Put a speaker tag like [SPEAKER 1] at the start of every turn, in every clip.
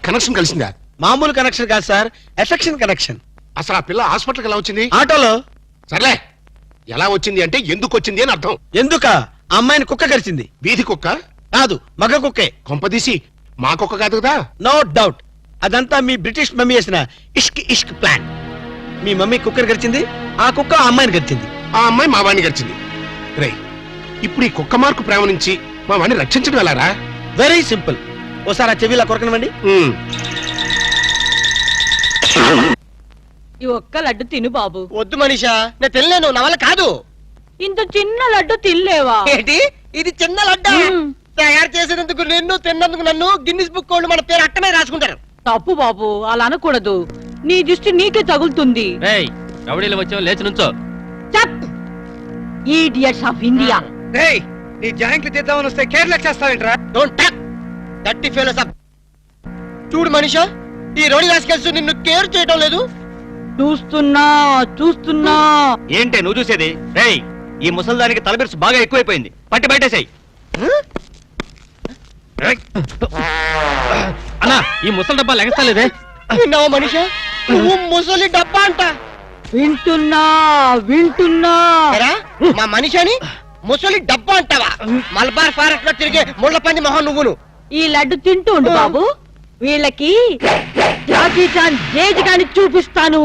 [SPEAKER 1] Connection కలిసిందా?
[SPEAKER 2] మామూలు connection కాదు sir, affection connection.
[SPEAKER 1] అసలు ఆ పిల్ల హాస్పిటల్కి ఎలా వచ్చింది?
[SPEAKER 2] ఆటోలో.
[SPEAKER 1] సర్లే, ఎలా వచ్చింది అంటే ఎందుకు వచ్చింది అని అర్థం.
[SPEAKER 2] ఎందుక? అమ్మాయిని కుక్క కరిచింది.
[SPEAKER 1] వీధి కుక్క
[SPEAKER 2] కాదు, మగ కుక్కే.
[SPEAKER 1] కొంపదీసి మా కుక్క కాదు కదా?
[SPEAKER 2] నో డౌట్, అదంతా మీ బ్రిటిష్ మమ్మీ చేసిన ఇష్క్ ఇష్క్ ప్లాన్. మీ మమ్మీ కుక్కర్ గడిచింది, ఆ కుక్క ఆ అమ్మాయిని గడిచింది.
[SPEAKER 1] ఆ అమ్మాయి మా వాడిని గడిచింది. రే, ఇప్పుడు ఈ కుక్క మార్కు ప్రేమ నుంచి మా వాడిని రక్షించడం ఎలారా?
[SPEAKER 2] Very simple. ఓసారి ఆ చెవిలా కొరకనివ్వండి.
[SPEAKER 3] ఈ ఒక్క లడ్డు తిను బాబు.
[SPEAKER 2] వద్దు మనీషా, నేను తినలేను, నా వల్ల కాదు.
[SPEAKER 3] ఇంత చిన్న లడ్డు తినలేవా?
[SPEAKER 2] ఏంటి ఇది చిన్న లడ్డు? తయారు చేసినందుకు నిన్ను, తిన్నందుకు నన్ను గిన్నిస్ బుక్ వాళ్ళు మన పేరు అట్టనే రాసుకుంటారు.
[SPEAKER 3] తప్పు బాబు, అలా అనకూడదు. నీ దృష్టి నీకే తగులుతుంది.
[SPEAKER 4] రౌడీలు వచ్చావు, లేచి నుంచో.
[SPEAKER 3] Idiots of India.
[SPEAKER 2] నీ జాయింట్లు తీద్దామని వస్తే కేర్లెస్ చేస్తావేంట్రా? డోంట్ టాక్ దట్టి ఫెలోస్ అప్. చూడు మనీషా, ఈ రోడి రాసుకెళ్తూ నిన్ను కేర్ చేయడం లేదు.
[SPEAKER 3] చూస్తున్నా.
[SPEAKER 4] ఏంటే నువ్వు చూసేది? రేయ్, ఈ ముసల్దానికి తలబిరుసు బాగా ఎక్కువైపోయింది, పట్టి బయటేసాయి. అన్నా, ఈ ముసలి డబ్బా లెగస్తలేదే.
[SPEAKER 2] విన్నావా మనీషా, నువ్వు ముసలి డబ్బా అంట.
[SPEAKER 3] వింటున్నా.
[SPEAKER 2] మా మనిషిని ముసలి డబ్బా అంటావా? మలబార్ ఫారెస్ట్ లో తిరిగే ముళ్ళ పంది మొహం నువ్వును.
[SPEAKER 3] ఈ లడ్డు తింటూ ఉండు బాబు, వీళ్ళకి జాకీ చాన్ జేజ్ గాని చూపిస్తాను.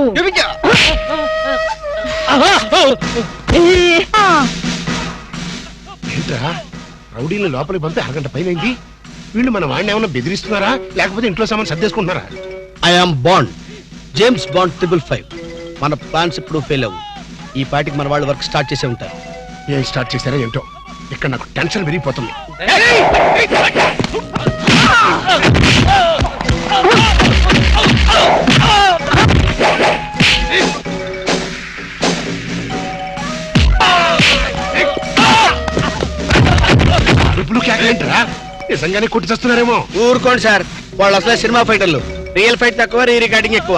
[SPEAKER 1] ఏంట్రా, రౌడీని లోపలికి పంపి అరగంట పైనైంది. వీళ్ళు మన వాడిని ఏమన్నా బెదిరిస్తున్నారా, లేకపోతే ఇంట్లో సామాన్ సర్దేసుకుంటున్నారా?
[SPEAKER 2] I'm Bond, James Bond 555. మన ప్లాన్స్ ఇప్పుడు ఫెయిల్ అవ్వు. ఈ పార్టీకి మన వాళ్ళు వర్క్ స్టార్ట్ చేసే ఉంటారు.
[SPEAKER 1] ఏం స్టార్ట్ చేశారో ఏంటో, ఇక్కడ నాకు టెన్షన్ పెరిగిపోతుంది. ఏంటరా, నిజంగానే కొట్టి చేస్తున్నారేమో.
[SPEAKER 2] ఊరుకోండి సార్, వాళ్ళు అసలు సినిమా ఫైటర్లు. రియల్ ఫైట్ తక్కువ, రీ రికార్డింగ్ ఎక్కువ.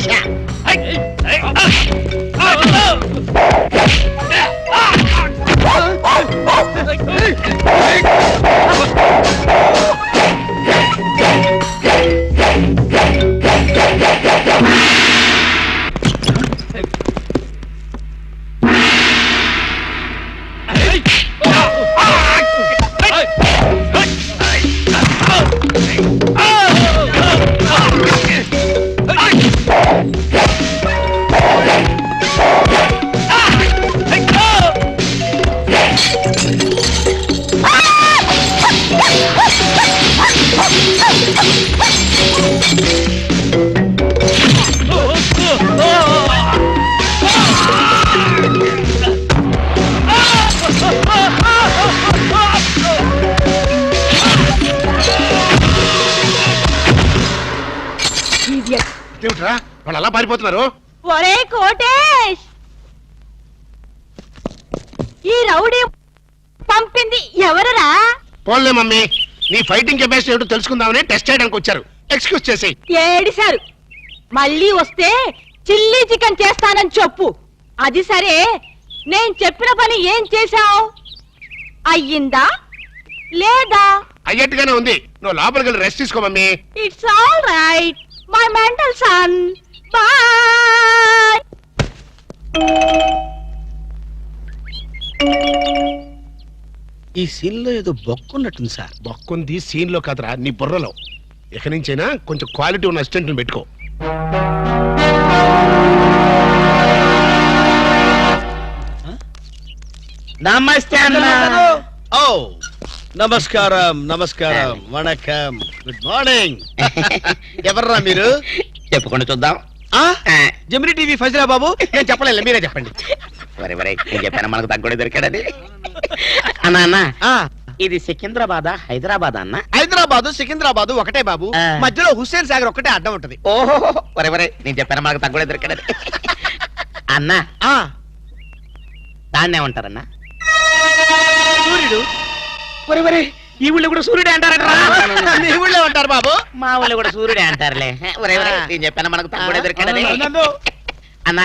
[SPEAKER 1] ఏమిట్రా వాళ్ళు అలా పారిపోతున్నారు?
[SPEAKER 3] ఒరే కోటేష్, ఈ రౌడీ పంపింది ఎవరరా?
[SPEAKER 1] పోన్లే మమ్మీ, నీ ఫైటింగ్ కెపాసిటీ ఏమిటో తెలుసుకుందామని టెస్ట్ చేయడానికి వచ్చారు. ఎక్స్క్యూజ్ చేసి.
[SPEAKER 3] ఏడిశారు. మళ్ళీ వస్తే చిల్లీ చికెన్ చేస్తానని చెప్పు. అది సరే, నేను చెప్పిన పని ఏం చేశావు? అయ్యిందా లేదా?
[SPEAKER 1] అయ్యట్టుగానే ఉంది. నువ్వు లోపలికి వెళ్ళి రెస్ట్ తీసుకో mummy.
[SPEAKER 3] It's all right my mental son. Bye.
[SPEAKER 2] ఈ సీన్ లో ఏదో బొక్కున్నట్టుంది సార్.
[SPEAKER 1] బొక్కుంది సీన్ లో కాదురా, నీ బుర్రలో. ఇక నుంచైనా కొంచెం క్వాలిటీ ఉన్న అసిస్టెంట్ పెట్టుకో.
[SPEAKER 2] నమస్తే అన్న. ఓ నమస్కారం, నమస్కారం, వణకం, గుడ్ మార్నింగ్. ఎవర్రా మీరు?
[SPEAKER 4] చెప్పుకొని చూద్దాం.
[SPEAKER 2] జమిని టీవీ ఫజరా బాబు. నేను చెప్పలేదు, మీరే చెప్పండి.
[SPEAKER 4] నేను చెప్పాను మనకు తగ్గుడే దొరికాడని. అన్నా అన్న, ఇది సికింద్రాబాద్ హైదరాబాద్ అన్న?
[SPEAKER 2] హైదరాబాద్ సికింద్రాబాద్ ఒకటే బాబు, మధ్యలో హుస్సేన్ సాగర్ ఒకటే అడ్డం ఉంటది.
[SPEAKER 4] ఓహో, నేను చెప్పాను మనకు తగ్గుడే దొరికాడని. అన్న, దాన్ని ఏమంటారన్నా?
[SPEAKER 2] సూర్యుడు.
[SPEAKER 4] ఈ ఊళ్ళో కూడా సూర్యుడే అంటారట.
[SPEAKER 2] ఈ ఊళ్ళో ఉంటారు బాబు.
[SPEAKER 4] మా ఊళ్ళో కూడా సూర్యుడే అంటారులే. నేను చెప్పాను మనకు తగ్గుడే దొరికాడని. అన్న,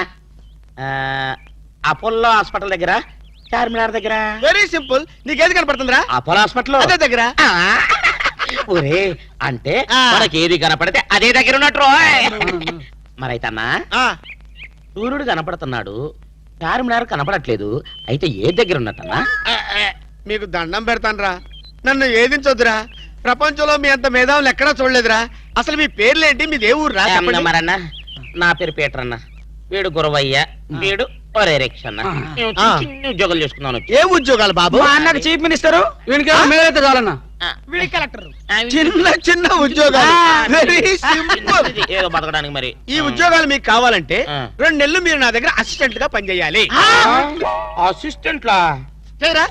[SPEAKER 4] అపోలో హాస్పిటల్ దగ్గర, చార్మినార్ దగ్గర.
[SPEAKER 2] Very simple. నీకేది కనపడుతుందిరా?
[SPEAKER 4] అపోలో హాస్పిటల్
[SPEAKER 2] అదే దగ్గర.
[SPEAKER 4] ఒరే అంటే
[SPEAKER 2] ఆ.
[SPEAKER 4] మనకి ఏది కనపడితే అదే దగ్గర ఉన్నట్టు మరైతే అన్నా సూర్యుడు కనపడుతున్నాడు చార్మినార్ కనపడట్లేదు అయితే ఏ దగ్గర ఉన్నట్టన్నా
[SPEAKER 2] మీకు దండం పెడతానురా, నన్ను ఏదించొద్దురా. ప్రపంచంలో మీ అంత మేధావులు ఎక్కడా చూడలేదురా. అసలు మీ పేర్లేంటి, మీది ఏ ఊరు రా?
[SPEAKER 4] మరన్నా నా పేరు పీటర్ అన్న, వీడు గురవయ్య, వీడు ఒరే రిక్ష అన్న. మేము
[SPEAKER 2] ఆ.
[SPEAKER 4] చిన్న ఉద్యోగాలు చేసుకున్నాను.
[SPEAKER 2] ఏ ఉద్యోగాలు బాబు?
[SPEAKER 5] మా అన్నకి చీఫ్ మినిస్టర్ మేలైతే చాలన్నా.
[SPEAKER 2] చిన్న చిన్న ఉద్యోగాలు, వెరీ సింపుల్.
[SPEAKER 4] ఏదో బతకడానికి మరి
[SPEAKER 2] ఈ ఉద్యోగాలు మీకు కావాలంటే
[SPEAKER 4] ఆ.
[SPEAKER 2] 2 నెలలు మీరు నా దగ్గర అసిస్టెంట్ గా పనిచేయాలి.
[SPEAKER 4] అసిస్టెంట్ లా
[SPEAKER 2] చేయరా?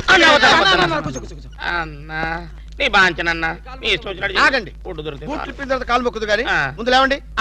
[SPEAKER 4] అన్నా నీ బాంచనన్నా నీ ఇష్టం వచ్చినట్టు
[SPEAKER 2] ఆగండి.
[SPEAKER 4] ఫుడ్ దొరికితే
[SPEAKER 2] బూట్లు ఇప్పిన తర్వాత కాలు మొక్కుదు కానీ
[SPEAKER 4] ఆ.
[SPEAKER 2] ముందు లేవండి.